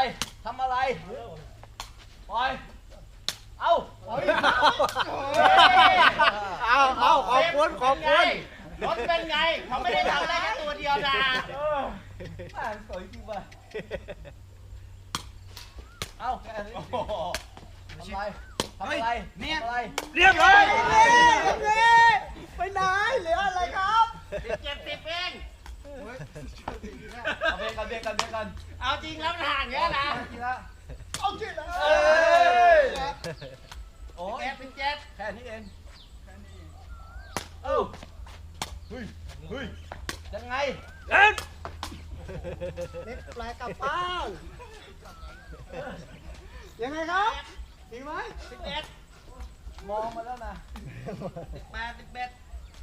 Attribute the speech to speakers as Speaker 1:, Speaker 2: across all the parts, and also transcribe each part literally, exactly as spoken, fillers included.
Speaker 1: ทำอะไรปล่อยเอาเอาเอาขอบคุณขอบคุณรถเป็นไงเขาไม่ได้ทำได้แค่ตัวเดียวนะอ่านสวยจริงว่ะเอาแค่นี้ทำอะไรทำอะไรเนี่ยเรียบร้อยไปไหนเหลืออะไรครับเจ็บสิบเองเอาเบรกกันเบรกกันเบรกกันเอาจริงแล้วมันห่างเงี้ยนะเอาจริงแล้วโอ้ยเป็นเจ็บแค่นี้เองเอ้าเฮ้ยเฮ้ยยังไงเล่นเล็กแปลกลับบ้านยังไงครับจริงไหมสิบเอ็ดมองมาแล้วนะสิบแปดสิบเอ็ด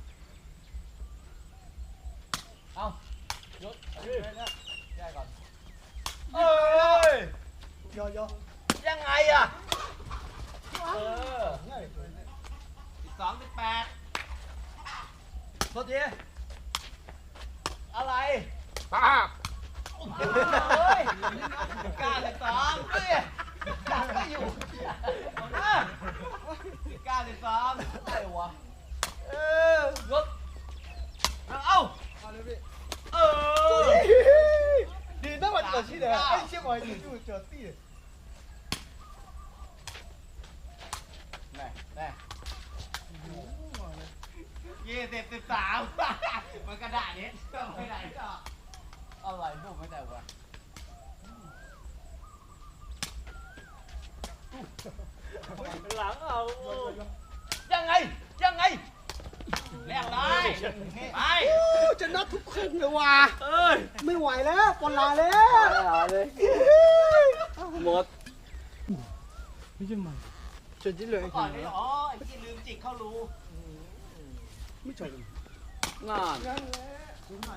Speaker 1: เอายศแย่ก่อนเอ้ยยอยยังไงอ่ะเออสิบสองสิบแปดโทษทีอะไรป้าเฮ้ยกล้าสิบสองเฮ้ยกล้าไม่อยู่กล้าสิบสองอะไรวะเออยศเอ้าเออ你那么恶心的，哎，结果你就脚地。แน่แน่ยี่สิบสิบสามมันกระดาษนี้ต้องไปไหนต่ออะไรพวกไม่ได้วะหลังเอายังไงยังไงแลกได้ไปจะนับทุกครึ่งเลยว่ะเอ้ยไม่ไหวแล้วปนลาแล้วเลยหมดไม่ใช่มันจนจิ้เลยก่อนนี่อ๋อไอ้ที่ลืมจิกเข้ารูไม่ใช่งานนั่นแหละรู้ไหม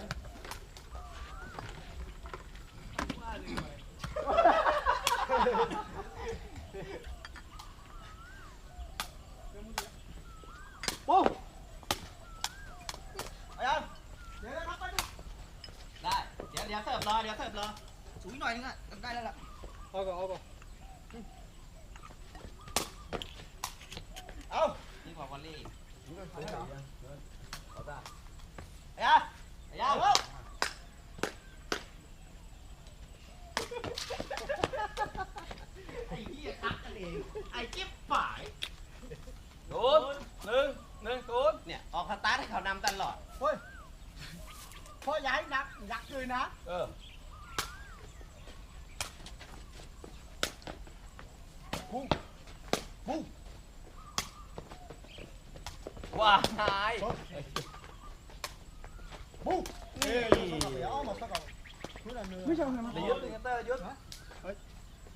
Speaker 1: โอ้ยังเดี๋ยวนะครับไปดูได้เดี๋ยวเดี๋ยวเสิร์ฟรอเดี๋ยวเสิร์ฟรอสูงหน่อยนึงอ่ะทำได้แล้วล่ะเอาก่อนเอาก่อนเอานี่กว่าวอลลี่เอาได้เอาได้ไอ้ยาไอ้ยาเฮ้ยไอ้เหี้ยคักกันเองไอ้จิ๊บฝ่ายโดนหนึ่งหนึ่งศูนย์เนี่ยออกสตาร์ทให้เขานำตลอดเฮ้ยพอย้ายนักยักษ์เลยนะเออพุ่งพุ่งว้าหายพุ่งนี่ไม่ใช่ไหมยุดเลยเตอร์ยุดเฮ้ย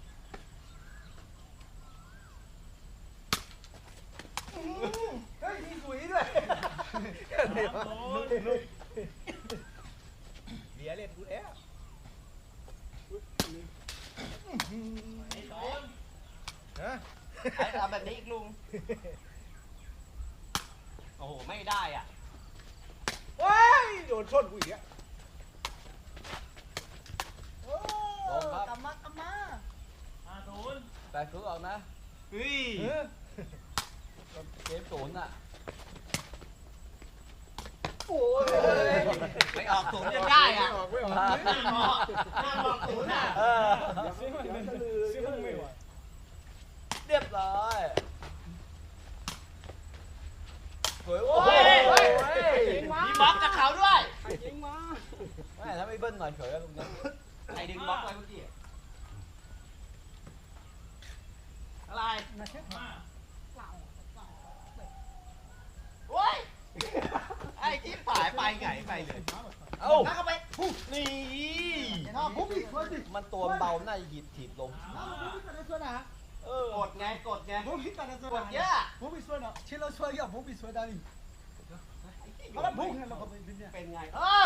Speaker 1: เฮ้ยมีกุ๋ยด้วยเบียร์เล่นกูแล้วไอ้โดนฮะไอ้ทำแบบนี้อีกลุงโอ้โหไม่ได้อ่ะเฮ้ยโดนชนกูอีกอ่ะโอ้กำมากำมาอาโดนแต่คือออกนะเฮ้ยเกมศูนย์อ่ะโอ้ยไม่ออกศูนย์จะได้อ่ะไม่ออกไม่ออกไม่ออกศูนย์อ่ะเรียบร้อยสวยโอ้ยมีบล็อกกับเขาด้วยยิงมาไม่ถ้าไม่เบิ้ลหน่อยเฉยแล้วตรงนี้ใครดึงบล็อกไว้เมื่อกี้อะไรโอ้ยไอ้จิ๊บฝ่ายไปไงไปเลยเอ้าเข้าไปนี่มันตัวเบาหน้าหยิบถีบลงกดไงกดไงกดเยอะเป็นไงเออ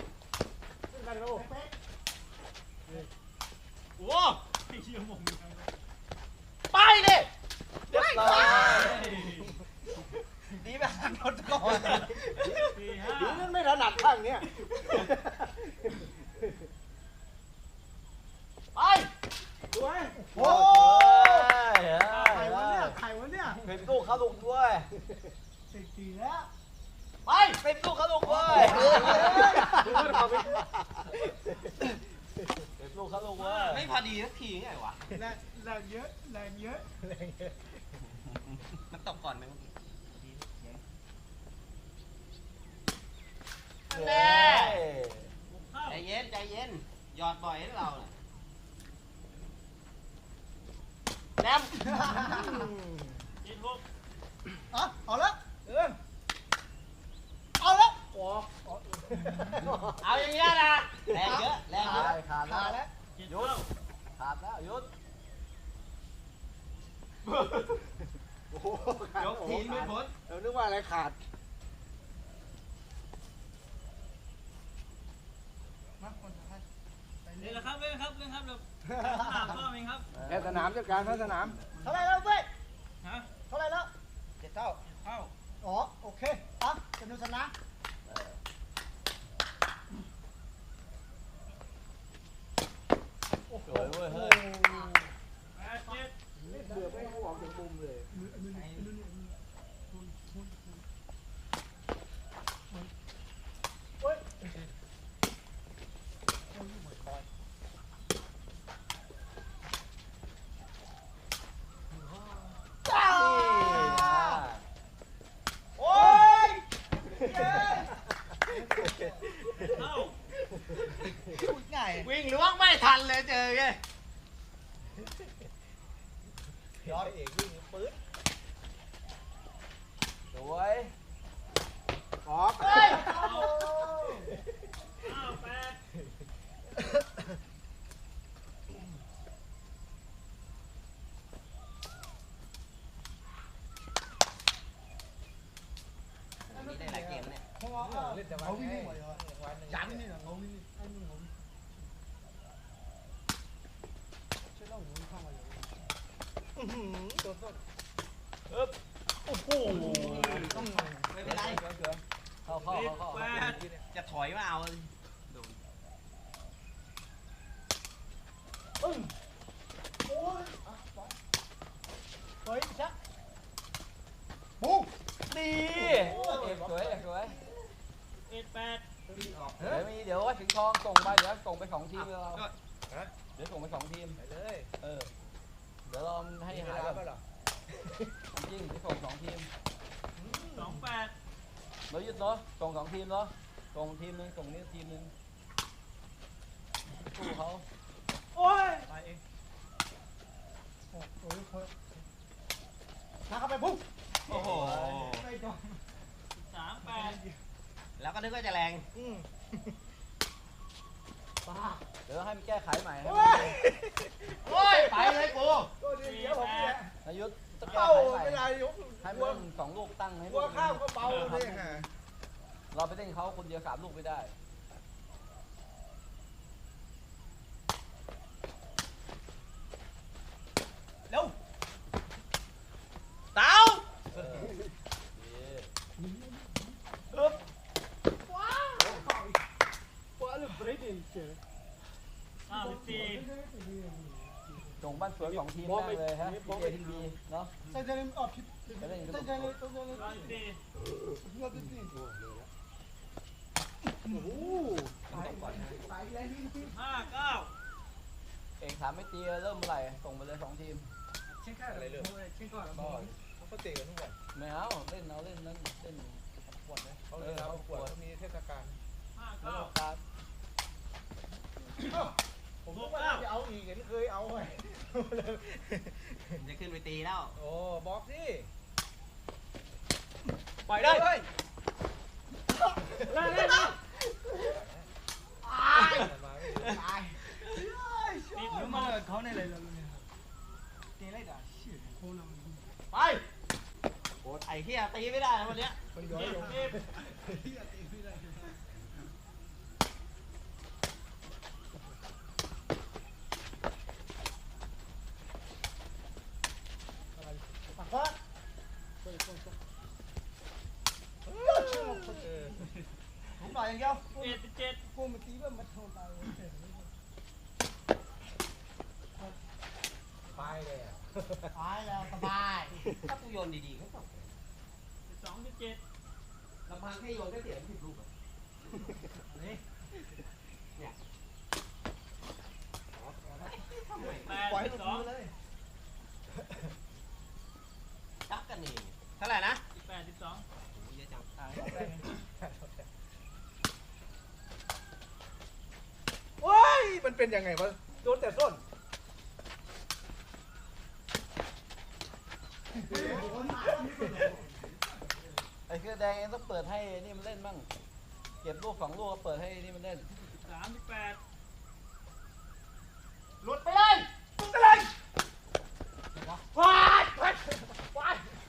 Speaker 1: โอ้ไปดิเรียบร้อยดีแบบรถก่อนดีนั่นไม่ถนัดข้างเนี้ยไปดีแล้วไป
Speaker 2: เป็นลูกเขาลูกเว้ยเป็นลูกเขาลูกเว้ยไม่พอดีสักทีไงวะ
Speaker 1: แรงแรงเยอะแรงเยอะแรงเยอะ
Speaker 2: มันตกก่อนไหมเมื่อกี้แน่ใจเย็นใจเย็นหยอดบ่อยให้เราแนม
Speaker 3: ยินหก
Speaker 1: อ่ะเอาละเออเอาละโอ้
Speaker 2: เอาอย่างเงี้ยนะแรงเยอะแรงเยอะ
Speaker 1: ขาดแล้ว
Speaker 3: ยิน
Speaker 2: ยุ
Speaker 3: เก้า
Speaker 2: ดขาดแล้วยุดยกทีไม่พ้น
Speaker 1: เรานึกว่าอะไรขาดมาคนสุดท้าย
Speaker 3: เล่นแล้วครับเล่นครับเล่นครับเราถามพ่อเองครับ
Speaker 1: แค่สนามจัดการแค่สนามเท่าไรแล้วเว้ย
Speaker 3: ฮะ
Speaker 1: เท่าไรแล้วเจ็ดเท่า
Speaker 3: เข้า
Speaker 1: อ๋อโอเคอ่ะจะดูสนาม
Speaker 2: สวยเว้ยเฮ้ย
Speaker 3: แปดเจ็ด
Speaker 1: เบื่อไม่ออกจากมุมเลยเฮ้ย
Speaker 2: โอ้ย
Speaker 3: เข้า
Speaker 1: ง่าย
Speaker 2: วิ่งล้วงไม่ทันเลยเจอไง
Speaker 1: ยอดเอกวิ่งปื๊ด
Speaker 2: สวย
Speaker 1: ออกเฮ้ย
Speaker 3: เก้าแปด
Speaker 2: นี่ได้หลายเกมเนี่ย
Speaker 1: เล่นแต่วันนี้ยันนี่เหรอเขาวิ่งไอ้นี่เขาช่วยเล่าหนูเข้ามาเลยตัวต้น
Speaker 2: โอ้โหต้องไม่เป็นไรเข้าเข้า
Speaker 3: สิบ
Speaker 2: เข้า
Speaker 3: แป
Speaker 2: เข้า
Speaker 3: ด
Speaker 2: จะถอยมาเอาโดน
Speaker 1: โอ้ยเฮ้ยชักปุ๊บ
Speaker 2: ดีเอกสวยเอกสวย
Speaker 3: เอ็ดแปด
Speaker 2: เดี๋ยวมีเดี๋ยวว่าถึงทองส่งไปเดี๋ยวส่งไปสองทีมเราเดี๋ยวส่งไปสองทีม
Speaker 1: ไปเลย
Speaker 2: เออเดี๋ยวเราให้หายแบบจริงจะส่งสองทีม
Speaker 3: สองแปด
Speaker 2: เรายึดเนาะส่งสองทีมเนาะส่งทีมนึงส่งนี้ทีมนึงสู้เขา
Speaker 1: โอ้ยไปเองโอ้ยโอ้ยนักเข้าไปปุ๊บ
Speaker 2: โอ้โห
Speaker 1: ไม่โดน
Speaker 3: สามแปด
Speaker 2: แล้วก็นึกว่าจะแรง
Speaker 1: ป้า
Speaker 2: เดี๋ยวให้มันแก้ไขใหม่ให้
Speaker 1: โอ้ย
Speaker 2: โอ้ยไปเลยกู
Speaker 1: ก็ดีเดี๋ยวผมเนี่ย
Speaker 2: นายุทธจะแก้
Speaker 1: เป้า
Speaker 2: ไขใหม่
Speaker 1: ไม่ได้ยก
Speaker 2: ให้
Speaker 1: ก
Speaker 2: มั
Speaker 1: ลัวน
Speaker 2: สองลูกตั้งให้
Speaker 1: กลัวข้าวก็เบาเลยฮะ
Speaker 2: เราไปเล่นเขาคนเดียวสามลูกไม่ได้
Speaker 1: เร็ว
Speaker 2: เต้า
Speaker 1: ว่าลูกเบรดเองเจอ
Speaker 3: เก้าสิบสี่
Speaker 2: ส่งบ้านสวยสองทีมแม่งเลยฮะทีเอทีบีเนาะ
Speaker 1: ใส่ใจเลยออกผิด
Speaker 2: จะเล่น
Speaker 1: ใส่
Speaker 2: กัน
Speaker 1: ใจเลยตัวใจเลย
Speaker 3: เก้าสิบสี่
Speaker 1: ยอดจริงโอ้โหไปแล้วนี่
Speaker 3: ห้าเก้า
Speaker 2: เอกถามไม่ตีเริ่มเมื่อไหร่ส่งไปเลยสองทีม
Speaker 1: เช็คค่าอะไรเลยเช็คก่อน
Speaker 2: ก็
Speaker 4: เขาเตะกันทุกวัน
Speaker 2: ไม่เอาเล่นเอาเล่นนั้นเล่น
Speaker 4: ขวดนะเขาเลยเขาขวดเขามีเทศกาล
Speaker 3: ห้า
Speaker 2: แล้ว
Speaker 3: เก้า
Speaker 2: การ
Speaker 4: ผมก็ว่าจะเอาอีกเห็นเคยเอาไง
Speaker 2: จะขึ้นไปตีแล้ว
Speaker 4: โอ้บอกสิ
Speaker 2: ปล่อยได้
Speaker 4: เฮ้ย
Speaker 3: ได้ได้ได้
Speaker 4: มาไม่
Speaker 1: ตายติดหรือมาเลยเขาในเลยเราเนี่ยเตะไรด่าชื่อโคนัง
Speaker 2: ไปโอ้ไอ้เหี้ยตีไม่ได้วันเนี้ย
Speaker 4: คนย้อย
Speaker 3: สิ
Speaker 4: ล
Speaker 3: บ
Speaker 4: ง
Speaker 3: สิบ
Speaker 1: ปากว่าผมหน่อยอย่างเดียว
Speaker 3: เอ็ดสิบเจ็ด
Speaker 1: กูมาตีว่ามันโทนตาย
Speaker 4: ไปเลยอ่ะ
Speaker 1: ตายแล้วสบาย
Speaker 2: ถ้ากูโยนดีๆก็ตก
Speaker 3: สิบสองสิบเจ็ด
Speaker 2: ลำพังแค่โยนก็เสียสิบลูกอ่ะ
Speaker 3: แปด
Speaker 1: ปล่อยให้
Speaker 3: สิ
Speaker 1: ห
Speaker 3: บ
Speaker 1: ลุด
Speaker 3: สอง
Speaker 1: มือเลย
Speaker 2: จับกันเอง
Speaker 1: เท่าไหร่นะ
Speaker 3: แปดสิบสอง
Speaker 2: เยอะจัง
Speaker 4: โอ้ยมันเป็นยังไงวะโดนแต่ส้น
Speaker 2: ไอ้เสื้อแดงเองต้องเปิดให้นี่มันเล่นบ้างเก็บลูกสองลูกก็เปิดให้นี่มันเล่น
Speaker 3: สามสิบแปด
Speaker 1: หลุดไปเลยหลุดไปเลยว้ายว้ายว้าย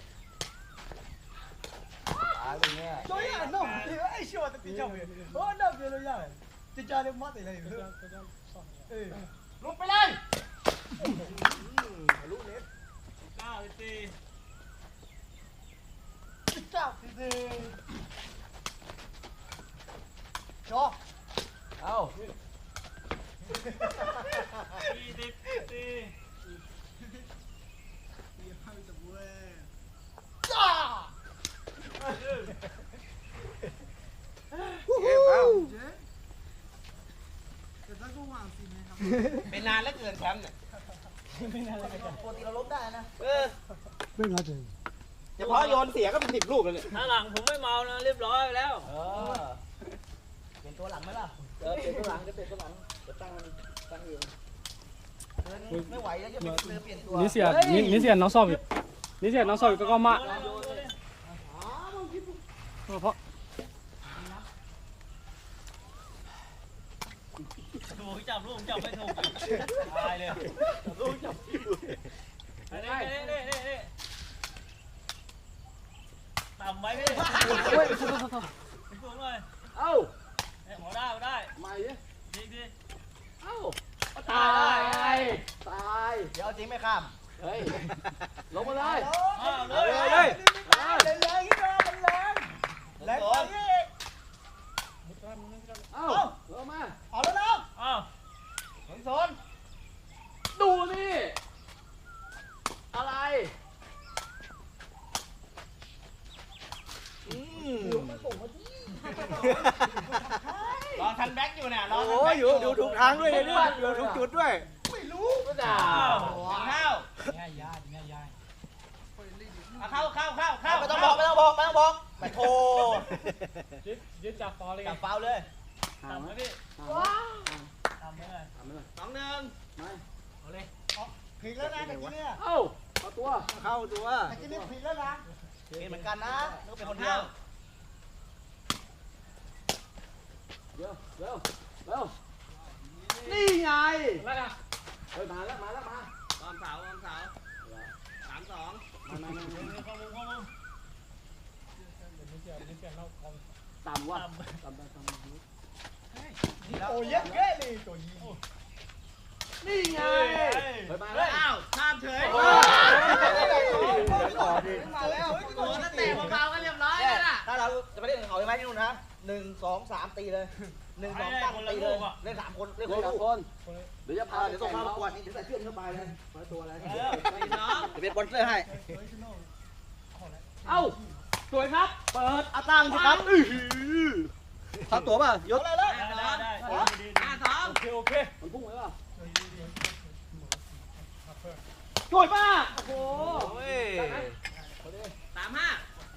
Speaker 2: ตายเลยเนี่ย
Speaker 1: 저희 안 나오면 돼요. 에이 씨발 진짜 왜? 어, 나 별로야. 진짜 내 맛에 이래. 예. 롯빨리.
Speaker 4: รู้เน็ต
Speaker 3: เก้าสิบสี่
Speaker 1: 진짜 비드. 저.
Speaker 2: เอ้า
Speaker 3: ยี่สิบสี่
Speaker 1: 짜.
Speaker 4: เอ๊ะเอา
Speaker 2: เป็นนานแล้วเกินแชมป์เนี่ยปกติเราลบได้นะเออ
Speaker 1: เป็นไงจ๊ะ
Speaker 2: เฉพาะโยนเสียก็เป็นสิบลูกเลยเนี่ย
Speaker 3: ถ้าหลังผมไม่เมานะเรียบร้อยแล้ว
Speaker 2: เออเปลี่ยนตัวหลังไหมล่ะเออเปลี่ยนตัวหลังจะเปลี่ยนตัวหลังจะตั้งมันตั้งเองเดินไม่ไหวแล้วจะเปลี่ยนเปลี่ยนตัว
Speaker 5: 你写你你写น้องสอบอยู่你写น้องสอบอยู่ก็ก็มา
Speaker 3: โยนเลยโยนเลย
Speaker 5: เพราะ
Speaker 3: ถูกจับลูกจับไม่ถูกตายเลย
Speaker 2: ลูกจับ
Speaker 3: เน่เน่เน่เน่เน่ต่ำไว้พี่
Speaker 5: เฮ้ย
Speaker 3: สูงเลย
Speaker 2: เอ้า
Speaker 3: เอ้ยหมอได้หมอได้
Speaker 2: ใหม่ดิ
Speaker 3: ดีดี
Speaker 2: เอ้า
Speaker 3: ตายตาย
Speaker 2: ตายเดี๋ยวเอาจริงไม่ข้ามเฮ้ยลงมาเลย
Speaker 3: อ้าวเล
Speaker 2: เลย
Speaker 3: ย
Speaker 2: เลย
Speaker 1: แรงแรงนี่นะมันแรงแรงไปนี่
Speaker 2: เอ้าลงมา
Speaker 1: เอาแล้วนะ
Speaker 3: อ้าว
Speaker 2: สนสนดูนี่อะไรอืม
Speaker 1: รอทันแบ็กอยู่เนี่ยรอ
Speaker 4: โอ้ยอยู่ดูถูกทางด้วยเนี่ยดูถูกจุดด้วย
Speaker 1: ไม่รู้
Speaker 2: ก็ด่า
Speaker 1: เข้า
Speaker 3: ง่ายยากง่ายยาก
Speaker 1: เข้าเข้าเข้าเข้า
Speaker 2: ไม่ต้องบอกไม่ต้องบอกไม่ต้องบอกไปโทร
Speaker 5: ยึดยึดจับฟอลเลย
Speaker 2: จับเฝ้าเลย
Speaker 3: ต่ำไหมพี่ต่ำไหมเลย
Speaker 1: สองหนึ่ง
Speaker 3: เอาเลย
Speaker 1: ผิดแล้วนะตะกี้เนี่ย
Speaker 2: เอ้าเอาตัว
Speaker 4: เข้าตัว
Speaker 1: ตะกี้เนี่ยผิดแล้วนะ
Speaker 2: เป็นเหมือนกันนะนึกเป็นคนเดียวเดี๋ยวเดี๋ยวเดี๋ยวนี่ไง
Speaker 5: แล้วนะ
Speaker 2: เฮ้ยมาแล้วมาแล้วมา
Speaker 1: ตอนเสาตอนเสาสามสอง
Speaker 2: มามามา
Speaker 3: ข้อมูลข้อมูล
Speaker 2: ต่ำว่ะ
Speaker 3: ต่ำ
Speaker 2: ต่ำไปต่ำไป
Speaker 1: โอ้ยเยอะแยะเลยตัวยิง
Speaker 2: นี่ไงเฮ้ยมา
Speaker 1: เฮ้
Speaker 2: แล้
Speaker 1: ยว อ้าวข้ามเฉย
Speaker 2: โอ้
Speaker 4: ต่อดิ
Speaker 1: มาแล้วโอ้แล้วเตะเบาๆกันเรียบร้อยแล้วน่ะ
Speaker 2: ถ้าเราจะไปเล่นกับเขาใช่ไหมที่นู่นนะหนึ่งสองสามตีเลยหนึ่งสองสามตีเลยเล่นสามคนเล่นคนละคนเดี๋ยวจะพาเดี๋ยวส่งมาประกวดนี่เดี๋ยวใส่เสื้อเข้าไปเลยมาตัวอะไร
Speaker 1: เออพี่น้อง
Speaker 2: จะเป็นบอลเสื้อให้เอ้าสวยครับเปิดอาตังสิครับอื้อหือทับตัวป่ะยศ
Speaker 1: อะไรเลย
Speaker 3: ได้ได้ได้
Speaker 1: ห้าสอง
Speaker 5: โอเคโอเค
Speaker 2: มันพุ่งไหมป่ะสวยป่ะโอ้โห
Speaker 1: สามห้า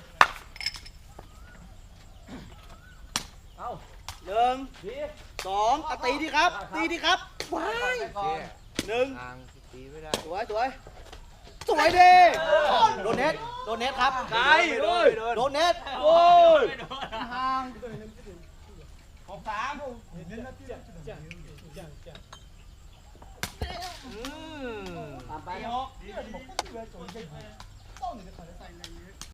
Speaker 2: เอ้า
Speaker 1: หนึ่ง
Speaker 2: ดี
Speaker 1: สองอ่ะตีดีครับ ตีดีครับว้าย หนึ่ง
Speaker 4: ทางตีไม่ได้
Speaker 1: สวยสวยสวยดีโดนเน็ตโดนเน็ตครับ
Speaker 4: ไกลเลยโดน
Speaker 1: โดนเน็ต
Speaker 3: โอ้ย
Speaker 1: ห่างหกสาม
Speaker 4: อืม
Speaker 2: ตามไป
Speaker 1: สี่หก